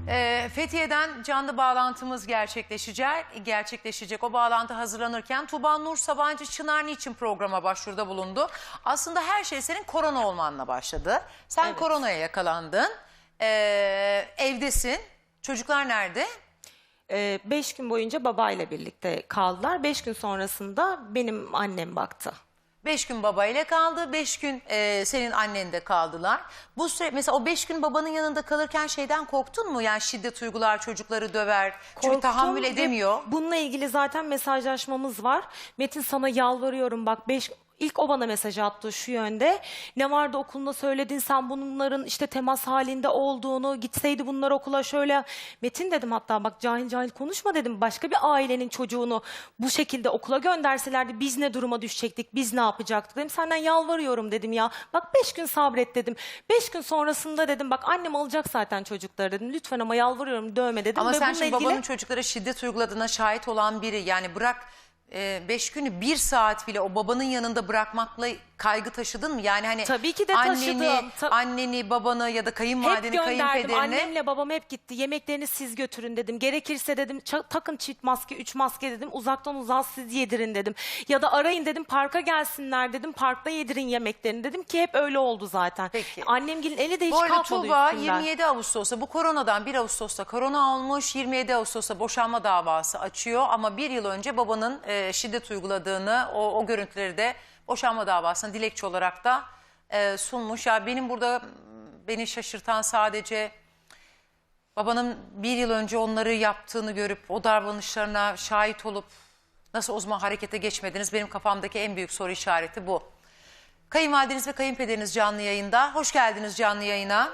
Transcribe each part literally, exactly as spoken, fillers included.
Ee, Fethiye'den canlı bağlantımız gerçekleşecek. gerçekleşecek. O bağlantı hazırlanırken Tuğba Nur Sabancı Çınar niçin programa başvuruda bulundu? Aslında her şey senin korona olmanla başladı. Sen Evet. koronaya yakalandın. Ee, evdesin. Çocuklar nerede? Ee, beş gün boyunca babayla birlikte kaldılar. Beş gün sonrasında benim annem baktı. Beş gün babayla kaldı, beş gün e, senin annen de kaldılar. Bu süre mesela o beş gün babanın yanında kalırken şeyden korktun mu? Yani şiddet uygular, çocukları döver. Çünkü Korktum tahammül ve edemiyor. Bununla ilgili zaten mesajlaşmamız var. Metin sana yalvarıyorum bak beş... İlk o bana mesaj attı şu yönde. Ne vardı okulunda söyledin sen bunların işte temas halinde olduğunu, gitseydi bunlar okula şöyle. Metin dedim hatta bak cahil cahil konuşma dedim. Başka bir ailenin çocuğunu bu şekilde okula gönderselerdi biz ne duruma düşecektik, biz ne yapacaktık dedim. Senden yalvarıyorum dedim ya. Bak beş gün sabret dedim. Beş gün sonrasında dedim bak annem alacak zaten çocukları dedim. Lütfen ama yalvarıyorum dövme dedim. Ama Ve sen bununla şimdi ilgili... babanın çocuklara şiddet uyguladığına şahit olan biri. Yani bırak e, beş günü bir saat bile o babanın yanında bırakmakla kaygı taşıdın mı? Yani hani Tabii ki de anneni, taşıdım. Ta- anneni, babanı ya da Hep kayınvalideni, gönderdim. kayınpederini. Annemle babam hep gitti. Yemeklerini siz götürün dedim. Gerekirse dedim ça- takın çift maske, üç maske dedim. Uzaktan uzağa siz yedirin dedim. Ya da arayın dedim parka gelsinler dedim. Parkta yedirin yemeklerini dedim ki hep öyle oldu zaten. Peki. Annemgilin eli de hiç Bu arada kalkmadı Tuğba üstünden. yirmi yedi Ağustos'ta bu koronadan bir Ağustos'ta korona olmuş, yirmi yedi Ağustos'ta boşanma davası açıyor ama bir yıl önce babanın e, şiddet uyguladığını o, o görüntüleri de boşanma davasına dilekçe olarak da e, sunmuş. Ya benim burada beni şaşırtan sadece babanın bir yıl önce onları yaptığını görüp o davranışlarına şahit olup nasıl o zaman harekete geçmediniz? Benim kafamdaki en büyük soru işareti bu. Kayınvalideniz ve kayınpederiniz canlı yayında. Hoş geldiniz canlı yayına.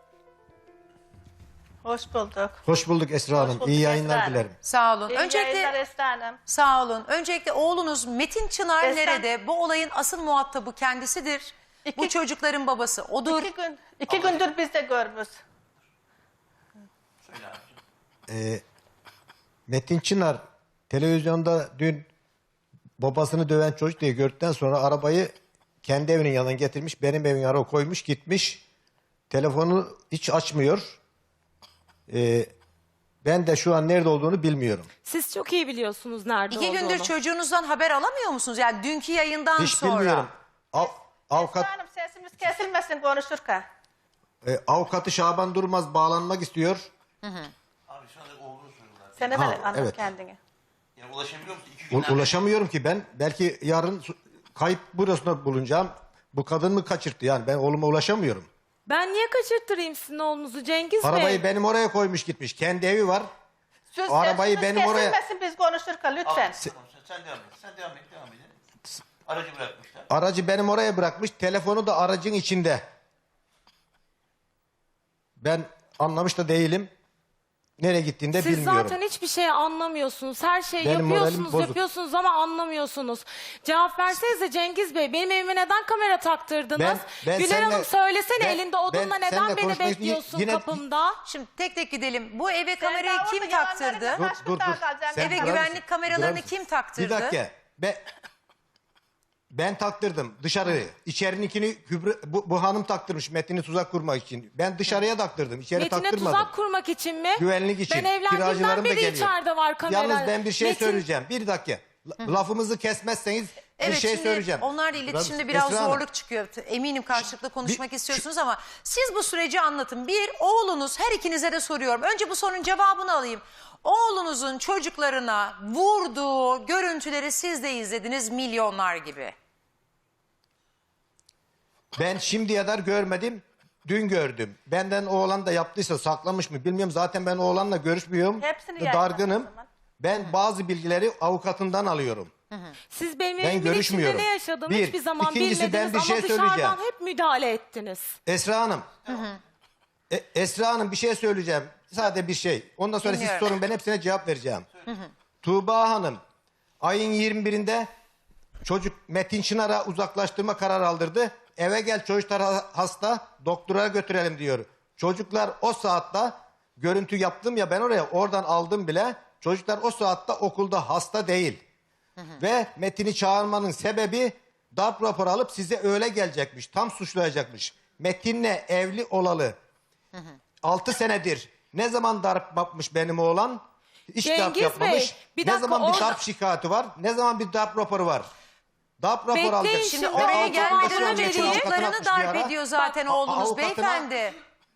Hoş bulduk. Hoş bulduk Esra Hanım. bulduk İyi Esra yayınlar Hanım. dilerim. Sağ olun. İyi Öncelikle yayınlar Esra Hanım. sağ olun. Öncelikle oğlunuz Metin Çınar Esra- nerede? Bu olayın asıl muhatabı kendisidir. İki- Bu çocukların babası odur. İki gün, iki gündür biz de görmüş. Ee, Metin Çınar televizyonda dün babasını döven çocuk diye gördükten sonra arabayı kendi evinin yanına getirmiş. Benim evin yanına koymuş gitmiş. Telefonu hiç açmıyor. Ee, ben de şu an nerede olduğunu bilmiyorum. Siz çok iyi biliyorsunuz nerede İki olduğunu. gündür çocuğunuzdan haber alamıyor musunuz? Yani dünkü yayından Hiç sonra. bilmiyorum. Av, avukat, Esra Hanım sesimiz kesilmesin konuşurken. e, avukatı Şaban Durmaz bağlanmak istiyor. Abi şu anda oğlunu soruyorlar. Sen de Ha, böyle anlat evet. kendini. Yani ulaşabiliyor musun? İki U- günden ulaşamıyorum ki ben. Belki yarın su- kayıp burasında bulunacağım. Bu kadın mı kaçırttı yani? Ben oğluma ulaşamıyorum. Ben niye kaçırttırayım sizin oğlunuzu Cengiz Bey? Arabayı benim oraya koymuş gitmiş. Kendi evi var. Söz, O arabayı sesimiz benim oraya- kesilmesin biz konuşurken lütfen. Abi, tamam, sen, sen devam et. Sen devam et. Devam et. Aracı bırakmışlar. Aracı benim oraya bırakmış. Telefonu da aracın içinde. Ben anlamış da değilim. Nereye gittiğini de Siz bilmiyorum. zaten hiçbir şey anlamıyorsunuz. Her şeyi Benim moralim yapıyorsunuz, bozuk. yapıyorsunuz ama anlamıyorsunuz. Cevap versenize Cengiz Bey. Benim evime neden kamera taktırdınız? Ben- ben Güler seninle- Hanım söylesene ben- elinde odunla ben neden seninle beni konuşmak için bekliyorsun yine- kapımda? Şimdi tek tek gidelim. Bu eve Sen kamerayı daha kim orada taktırdı? yalanlarına Dur kaç dur gün daha dur. kalacaksın? Sen Eve durar güvenlik mısın? kameralarını Durar mısın? kim taktırdı? Bir dakika. Ben, ben taktırdım dışarıyı. İçerininkini Kübra, bu, bu hanım taktırmış Metin'i tuzak kurmak için. Ben dışarıya taktırdım. İçeri Metin'e taktırmadım. tuzak kurmak için mi? Güvenlik için. Ben evlendiğimden Kiracılarım da beri geliyor. içeride var kamera. Yalnız ben bir şey Metin- söyleyeceğim. Bir dakika. La- Lafımızı kesmezseniz Evet, bir şey şimdi söyleyeceğim. onlarla Durar iletişimde mısın? biraz Esra Hanım, zorluk çıkıyor. Eminim karşılıklı konuşmak Bir- istiyorsunuz ama siz bu süreci anlatın. Bir, oğlunuz, her ikinize de soruyorum. Önce bu sorunun cevabını alayım. Oğlunuzun çocuklarına vurduğu görüntüleri siz de izlediniz milyonlar gibi. Ben şimdiye kadar görmedim. Dün gördüm. Benden oğlan da yaptıysa saklamış mı bilmiyorum. Zaten ben oğlanla görüşmüyorum. Hepsini Da- yayınla Dargınım. o zaman. Ben bazı bilgileri avukatından alıyorum. Siz benim Ben evimin içinde görüşmüyorum. ne yaşadığımı Bir, hiçbir zaman ikincisi ben bilmediniz bir ama şey dışarıdan söyleyeceğim. hep müdahale ettiniz. Esra Hanım. E, Esra Hanım bir şey söyleyeceğim. Sadece bir şey. Ondan sonra Dinliyorum. siz sorun ben hepsine cevap vereceğim. Tuğba Hanım ayın yirmi birinde çocuk Metin Çınar'a uzaklaştırma kararı aldırdı. Eve gel çocuklar ha- hasta doktora götürelim diyor. Çocuklar o saatte görüntü yaptım ya ben oraya oradan aldım bile. Çocuklar o saatte okulda hasta değil. Ve Metin'i çağırmanın sebebi darp raporu alıp size öyle gelecekmiş. Tam suçlayacakmış. Metin'le evli olalı altı senedir Ne zaman darp yapmış benim oğlan? Hiç darp Cengiz yapmamış. Bey, bir ne dakika, zaman bir orada- darp şikayeti var? Ne zaman bir darp raporu var? Darp raporu Bekleyin alacak. şimdi, Şimdi Ve oraya avukatına gelmeden vereyim. önce Avukatına çocuklarını atmış bir darp ara. ediyor zaten Bak, a- oğlunuz avukatına- beyefendi.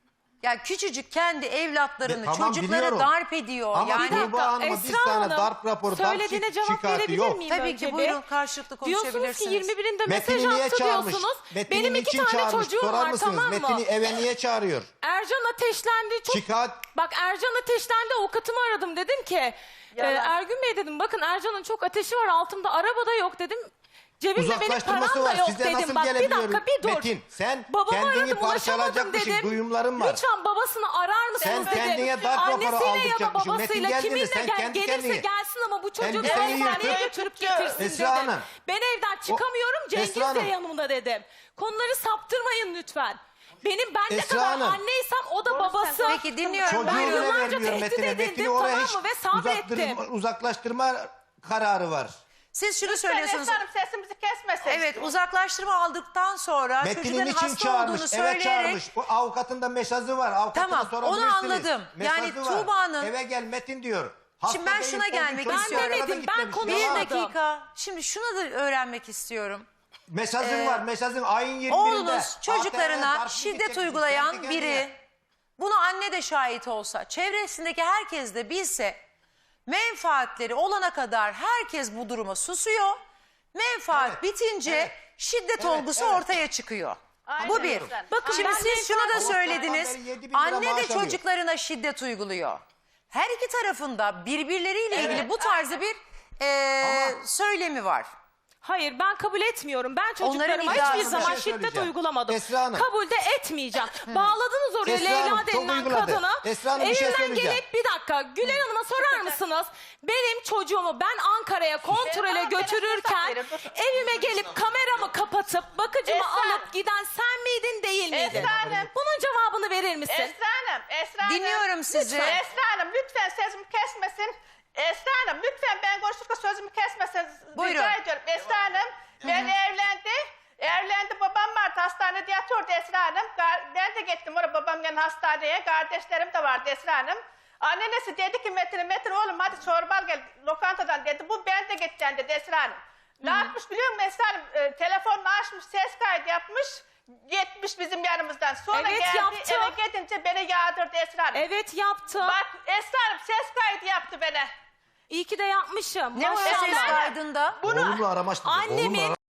Ya küçücük kendi evlatlarını, Be- tamam, çocukları biliyorum. darp ediyor. Ama yani Tuğba Hanım'a bir Esra tane Hanım, darp raporu, darp söylediğine şik- cevap şikayeti verebilir yok. miyim tabii önce ki bir? buyurun karşılıklı Diyorsunuz ki konuşabilirsiniz. yirmi birinde mesaj Metin'i niye attı çağırmış? diyorsunuz. Metin'i Benim iki niçin tane çağırmış? çocuğum Sorar var, mısınız? tamam mı? Metin'i eve niye çağırıyor? Ercan ateşlendi. Çok... Şikayet Bak Ercan ateşlendi, avukatımı aradım, dedim ki e, Yalan. Ergün Bey dedim, bakın Ercan'ın çok ateşi var, altımda arabada yok dedim. Cebimde benim uzaklaştırması param da var. yok Size dedim. nasıl Bak bir gelebiliyor dakika bir dur. Metin? Sen Babamı kendini aradım, ulaşamadım parçalayacakmışsın. dedim. Duyumların var. Lütfen babasını arar mısınız Sen dedim. kendine darp raporu Annesiyle ya da aldıracakmışsın. Metin babasıyla geldi mi? kiminle Sen gel, kendi gelirse kendine. gelsin ama bu çocuğu bir Elbiseni hastaneye yırtıp- götürüp getirsin Esra dedim. Hanım. Ben evden çıkamıyorum, Cengiz Esra de Hanım. yanımda dedim. Konuları saptırmayın lütfen. Benim ben ne Esra kadar Hanım. anneysem o da babası. Peki dinliyorum. Çocuğu Ben Buyurun. bile yıllarca vermiyor tehdit Metin'e. edildim, Metin'i oraya tamam hiç mı? Ve sabrettim. uzaktırma- uzaklaştırma kararı var. Siz şunu Lütfen söylüyorsunuz. Esra Hanım sesimizi kesmesin. Evet, uzaklaştırma aldıktan sonra Metin'in çocukların için hasta çağırmış, olduğunu eve söyleyerek... çağırmış. Bu avukatın da mesajı var. Avukatına Tamam, sorabilirsiniz. onu anladım. Mesajı Yani var. Tuğba'nın- Eve gel Metin diyor. Hasta Şimdi ben değil, şuna o gün gelmek çocuk istiyorum. arada Ben demedim, ben gitmemiş. konuyu Bir Yalan. anladım. dakika. Şimdi şunu da öğrenmek istiyorum. Mesajın var. Mesajın ayın yirmi birinde. Oğlunuz çocuklarına darp şiddet gidecekmiş, uygulayan kendi biri, kendine. buna anne de şahit olsa, çevresindeki herkes de bilse, menfaatleri olana kadar herkes bu duruma susuyor. Menfaat Evet, bitince evet, şiddet evet, olgusu evet. ortaya çıkıyor. Aynen Bu bir. öyle. Bakın Şimdi ben siz şunu da Avukattan söylediniz. beri yedi bin lira Anne de maaş alıyor. çocuklarına şiddet uyguluyor. Her iki tarafında birbirleriyle Evet. ilgili bu tarzı bir eee, Ama- söylemi var. Hayır, ben kabul etmiyorum. Ben çocuklarıma iddiası hiçbir bir zaman şey şiddet söyleyeceğim. uygulamadım. Esra Hanım. Kabul de etmeyeceğim. Bağladınız oraya Esra Hanım, Leyla çok denilen uyguladı. kadını. Esra Hanım, bir şey Evinden söyleyeceğim. gelip bir dakika Güler Hanım'a sorar mısınız? Benim çocuğumu ben Ankara'ya kontrole Esra, götürürken biraz uzak verin, dur. evime gelip kameramı kapatıp bakıcımı Esra. alıp giden sen miydin değil miydin? Esra Hanım. Bunun cevabını verir misin? Esra Hanım, Esra Hanım. Dinliyorum sizi. Lütfen Esra Hanım lütfen sözümü kesmesin. Esra Hanım lütfen ben konuşurken sözümü kesmesin. Buyurun. Rica ediyorum. Esra Hanım ben evlendi. Evlendi babam vardı hastanede yatıyordu Esra Hanım. Gar- Ben de gittim oraya babamın hastaneye. Kardeşlerim de vardı Esra Hanım. Annesi dedi ki Metin'e Metin oğlum hadi çorba al gel lokantadan dedi. Bu ben de gideceğim dedi Esra Hanım. Ne yapmış biliyor musun Esra Hanım? E, telefonunu açmış ses kaydı yapmış. Gitmiş bizim yanımızdan. Sonra Evet, geldi yaptı. eve gidince beni yağdırdı Esra Hanım. Evet yaptım. Bak Esra Hanım ses kaydı yaptı bana. İyi ki de yapmışım. Ne var Maşallah. ses kaydında? Oğlumla aramıştı. Annemin- Oğlumla ara-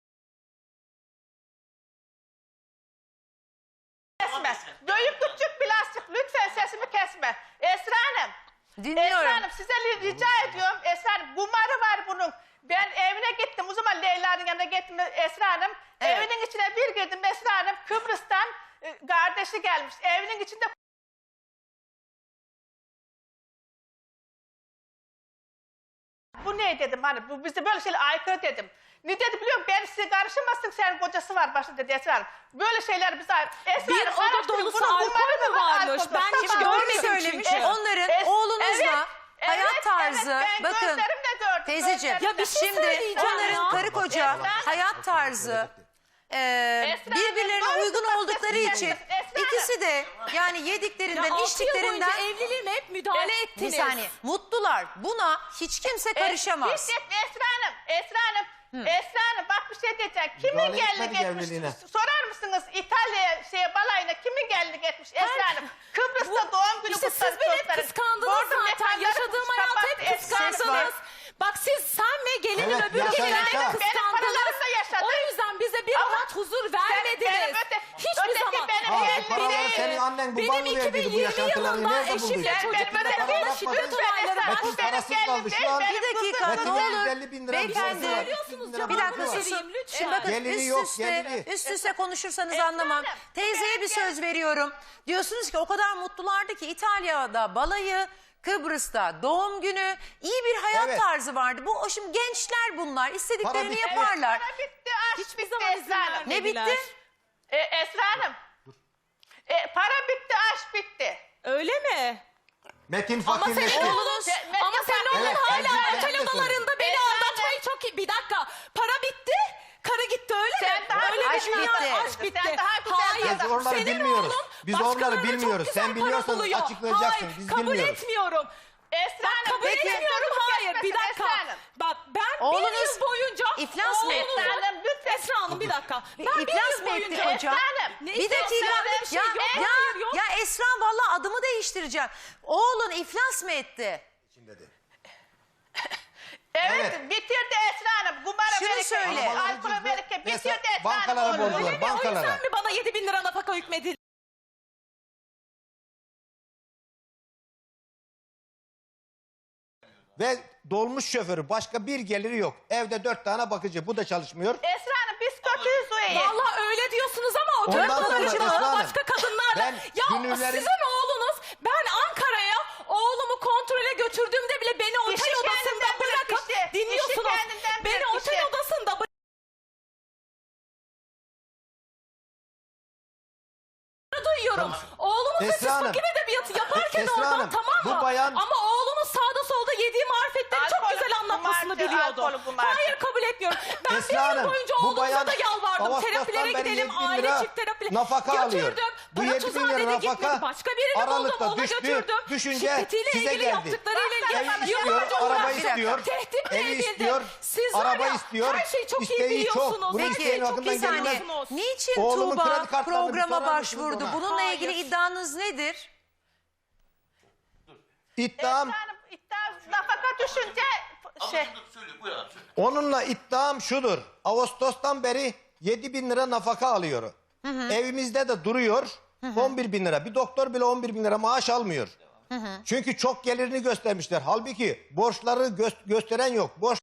Kesme. Büyük küçük plastik lütfen sesimi kesme. Esra Hanım. Dinliyorum. Esra Hanım size li- rica ediyorum. Esra Hanım kumarı var bunun. Ben evine gittim. O zaman Leyla'nın yanına gittim Esra Hanım. Evet. Evinin içine bir girdim Esra Hanım. Kıbrıs'tan e, kardeşi gelmiş. Evinin içinde bu ne dedim hani bu bize böyle şeyler aykırı dedim. Ne dedi biliyor musun? Ben size karışamazsın senin kocası var başta dedi Esra Hanım. Böyle şeyler bize Esra Bir Hanım, oda araştırın. dolusu Bunun alkol kumarı mü da var, varmış? alkol da. Ben hiç Sabah Doğru görmedim söylemiş. çünkü. Onların Es- oğlunuzla evet, hayat evet, tarzı, evet, ben bakın gözlerimle gördüm, teyzeciğim, gözlerimle. Ya bir şey şimdi söyleyeceğim onların ya. karı koca Esra- hayat tarzı e, Esra birbirlerine Hanım, uygun doğru oldukları söylüyorsun. için Esra Hanım. ikisi de yani Ya yediklerinden, altı yıl boyunca içtiklerinden evliliğime hep müdahale Es- ettiniz. bir saniye mutlular. Buna hiç kimse karışamaz. Hiç etme Esra Hanım. Esra Hanım. Esra Hanım bak bir şey diyeceğim. Kimin Müdahale gelini etmedik etmiş? evliliğine. Sorar mısınız İtalya şeye balayına kimin gelini etmiş Esra Hanım? Kıbrıs'ta doğum günü İşte siz kutladı beni hep çocukların. kıskandınız Bordo zaten. mekanları Yaşadığım hayatı kapattı hep Esra Hanım. kıskandınız. Bak siz sen ve gelinin Evet, öbür yaşa, gelini yaşa. hep Benim paralarımla kıskandınız. yaşadı. O yüzden bize bir Ama rahat huzur benim vermediniz. öte- Hiçbir öteki zaman. benim Ha, gelini bu paraları değil. senin annen Benim baban mı verdiydi bu iki bin yirmi yaşantıları? yılında Nerede eşimle bulduydu? çocuklarıma Ben- bana ben- şiddet lütfen olayları Esra Hanım, Metin benim parasız gelinim kaldı şu değil, an. benim Bir dakika, kızım. Metin ne yüz olur elli bin lira bir beyefendi. borcu var. Söylüyorsunuz, Bir Bir dakika cevabını susun. vereyim lütfen. Şimdi bakın Geliri üst yok, üste, geliri. üst üste konuşursanız Esra anlamam. Hanım, Teyzeye bir gel- söz veriyorum. Diyorsunuz ki o kadar mutlulardı ki İtalya'da balayı, Kıbrıs'ta doğum günü, iyi bir hayat Evet. tarzı vardı. Bu o şimdi gençler bunlar. İstediklerini bitti. yaparlar. Para bitti, aşk Hiçbir bitti zaman izin Esra Hanım. Ne vermediler. bitti? E, Esra Hanım. E, para bitti, aşk bitti. Öyle mi? Metin Ama fakirleşti. senin oğlun, Se- Metin ama senin oğlun Evet, hala Ercüment otel de söyledi. odalarında beni Esra aldatmayı çok iyi. Bir dakika. Para bitti. Karı gitti öyle Sen mi? daha öyle aşk mi? bitti. Aşk bitti. Sen daha güzel Hayır. Hayır, Biz oraları Senin bilmiyoruz. oğlun Biz başkalarına onları çok bilmiyoruz. güzel Sen para biliyorsan buluyor. açıklayacaksın. Hayır, Biz kabul bilmiyoruz. etmiyorum. Esra Bak Hanım, kabul peki. etmiyorum, hayır. Bir Esra dakika. Hanım. Bak ben Oğlunuz bir yıl boyunca... iflas mı etti? oğlunuzu- Esra Hanım, lütfen. Esra Hanım bir dakika. Ben bir İflas yıl mı etti boyunca... hocam? Esra Hanım. Ne Bir dakika. iflas bir şey Ya, yok, ya, hayır, yok. ya Esra vallahi adımı değiştireceğim. Oğlun iflas mı etti? Evet, Evet. bitirdi Esra Hanım. Kumara Şunu Melike, söyle. alkol Melike bitirdi Mesela Esra Hanım. bankalara oğlunu. borcu var. Öyle mi? O Bankalara. yüzden mi bana yedi bin lira nafaka hükmedildi? Ve dolmuş şoförü başka bir geliri yok. Evde dört tane bakıcı. Bu da çalışmıyor. Esra Hanım biz kötüyüz o iyi. Vallahi öyle diyorsunuz ama o Ondan dört sonra bakıcılar Esra Hanım, başka kadınlarla. ben Ya gönüllerin- sizin oğlunuz, ben Ankara'ya oğlumu kontrole götürdüğümde bile beni otel İşi odasında kendinden bilir bırakıp kişi. dinliyorsunuz. İşi kendinden bilir Beni otel kişi. odasında bı- duyuyorum. Oğlunuz da siz Esra Hanım, fakir edebiyatı yaparken Esra oradan Hanım, tamam mı? bu bayan- Ama oğlunuz sağda solda yediği marifetleri çok Alkol, güzel anlatmasını kumarcı, biliyordu. alkol, kumarcı. Hayır kabul etmiyorum. Ben Esra bir yıl Hanım, boyunca bu oğlumuza bayan da yalvardım. Ağustos'tan Terapilere beri gidelim, yedi bin aile lira çift terapi. nafaka götürdüm. alıyor. Bu Bana yedi bin lira Tuzade'de nafaka gitmedi. Başka birini Aralıkta buldum, ona düştü. götürdüm. Düşünce Şiddetiyle size ilgili geldi. yaptıklarıyla Ev ilgili istiyor, yıllarca araba uğraştım. istiyor, Tehditle evi edildi. istiyor, Siz var araba ya, istiyor, her şeyi çok iyi isteği çok. biliyorsunuz. Bunu Her isteyen şeyi çok hakkından iyi gelmez. biliyorsunuz. Niçin Oğlumun kredi Tuğba kartlarını bir programa sorar mısınız başvurdu? ona? Bununla Hayır. ilgili iddianız nedir? İddiam, Esra Hanım iddia nafaka düşünce şey. Abla dur söyle buyur abi söyle. onunla iddiam şudur. Ağustos'tan beri yedi bin lira nafaka alıyor. Evimizde de duruyor. on bir bin lira. Bir doktor bile on bir bin lira maaş almıyor. Çünkü çok gelirini göstermişler. Halbuki borçları gö- gösteren yok. Borç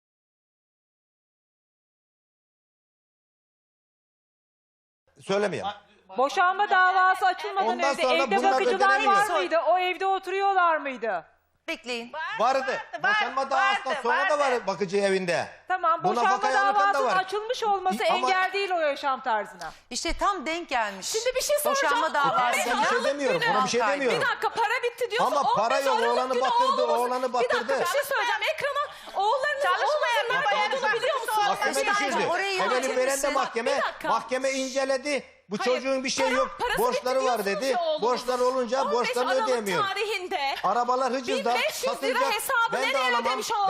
Söylemeyeyim. Boşanma davası açılmadan Ondan önce sonra evde bunlar bakıcılar ödenemiyor. var mıydı? O evde oturuyorlar mıydı? Bekleyin. Vardı. Boşanma davasından sonra da var bakıcı evinde. Tamam, Bu boşanma nafakayı alırken de davasının var. açılmış olması Ama- engel değil o yaşam tarzına. İşte tam denk gelmiş. Şimdi bir şey soracağım. Boşanma davası. on beş Ben bir şey Aralık demiyorum, günü- ona bir şey Altay, demiyorum. Bir dakika para bitti diyorsun. Ama para on beş yok, Aralık oğlanı günü batırdı, oğlumuz- oğlanı Bir batırdı. dakika bir şey söyleyeceğim. Ekrana oğullarınızın Çalışmayan oğlunuzun baba nerede olduğunu yani biliyor bakıcısı musunuz? olmaz. Mahkeme Bir dakika, düşürdü. orayı Efendim yönetir veren de misin? mahkeme. Bir dakika. Mahkeme inceledi. Bu Hayır, çocuğun bir şey para- yok. parası Borçları bitti var diyorsunuz dedi. ya oğlunuzun. Borçlar olunca on beş borçlarını Aralık ödeyemiyor. tarihinde Arabalar hıcızda bin beş yüz lira satılacak. hesabı Ben de nereye alamam. ödemiş oldu? Ben-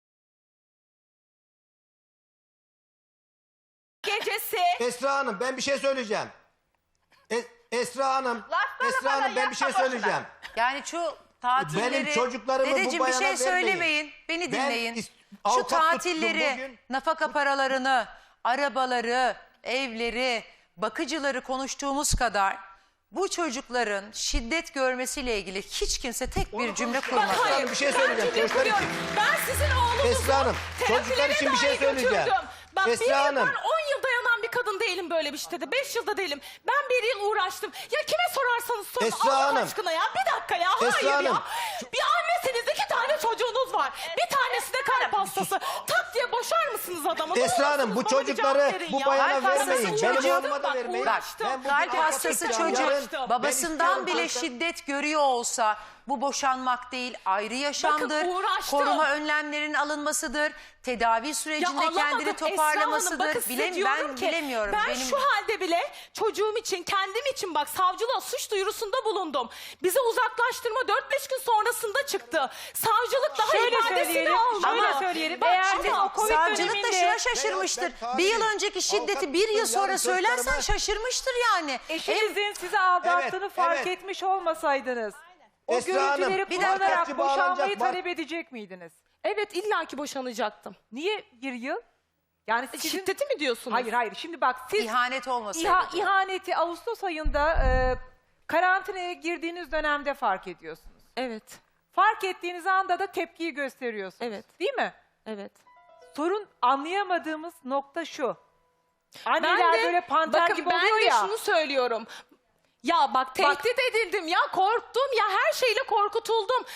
gecesi Esra Hanım ben bir şey söyleyeceğim. Es- Esra Hanım, Laf bana Esra bana Hanım ben bir şey yapma boşuna. söyleyeceğim. Yani şu tatilleri... Benim çocuklarımı bu Dedeciğim bir bayana şey vermeyin. söylemeyin. Beni Ben dinleyin. is- Şu avukat tuttum tatilleri, bugün. nafaka paralarını, arabaları, evleri, bakıcıları konuştuğumuz kadar bu çocukların şiddet görmesiyle ilgili hiç kimse tek bir cümle Bak kurmadı. hayır. bir şey ben söyleyeceğim cümle çocuklar için. kuruyorum. Ben sizin oğlunuzu Esra Hanım, terapilere çocuklar için bir şey dahi söyleyeceğim. götürdüm. Bak Esra bir yıl, Hanım. ben on yıl dayanan bir kadın değilim böyle bir şeyde. Beş yılda değilim. Ben bir yıl uğraştım. Ya kime sorarsanız sorun. Esra Allah Hanım. aşkına ya. Bir dakika ya. Esra Hayır Hanım. ya. Bir annesiniz, iki tane çocuğunuz var. Bir tanesi de kalp hastası. Tak diye boşar mısınız adamı? Ne Esra Hanım bu olursunuz bana bir çocukları cevap verin bu ya. bayana Kalp hastası vermeyin. çocuğu- Benim oğluma da Bak, vermeyin. uğraştım. Ben bugün Kalp avukat hastası tutacağım. çocuk Yarın ben babasından istiyorum bile kanka. şiddet görüyor olsa bu boşanmak değil ayrı yaşamdır. uğraştım. Koruma önlemlerinin alınmasıdır. Tedavi sürecinde alamadım kendini Esra Hanım. toparlamasıdır. Bakın size Bilem, diyorum ben ki, bilemiyorum. Ben Benim... şu halde bile çocuğum için, kendim için bak savcılığa suç duyurusunda bulundum. Bize uzaklaştırma dört beş gün sonrasında çıktı. Savcılık daha Şöyle ifadesini söyleyelim, aldı. şöyle Ama söyleyelim. bak Eğer şimdi siz o Covid Savcılık da döneminde- şuna şaşırmıştır. Ben- ben bir yıl tabiyim. önceki şiddeti Avukat bir yıl tuttum, sonra yarın söylersen çocuklarıma- şaşırmıştır yani. Eşinizin sizi aldattığını Evet, fark evet. etmiş olmasaydınız o Esra Hanım, görüntüleri bir dakika. kullanarak Avukatçı bağlanacak, boşanmayı bak. talep edecek miydiniz? Evet illaki boşanacaktım. Niye bir yıl? Yani sizin... Şiddeti mi diyorsunuz? Hayır hayır şimdi bak siz İhanet olmasaydı. İha, ihaneti Ağustos ayında e, karantinaya girdiğiniz dönemde fark ediyorsunuz. Evet. Fark ettiğiniz anda da tepkiyi gösteriyorsunuz. Evet. Değil mi? Evet. Sorun anlayamadığımız nokta şu. Anneler böyle panter bakın gibi ben oluyor de ya. şunu söylüyorum. Ya bak tehdit edildim ya korktum ya her şeyle korkutuldum.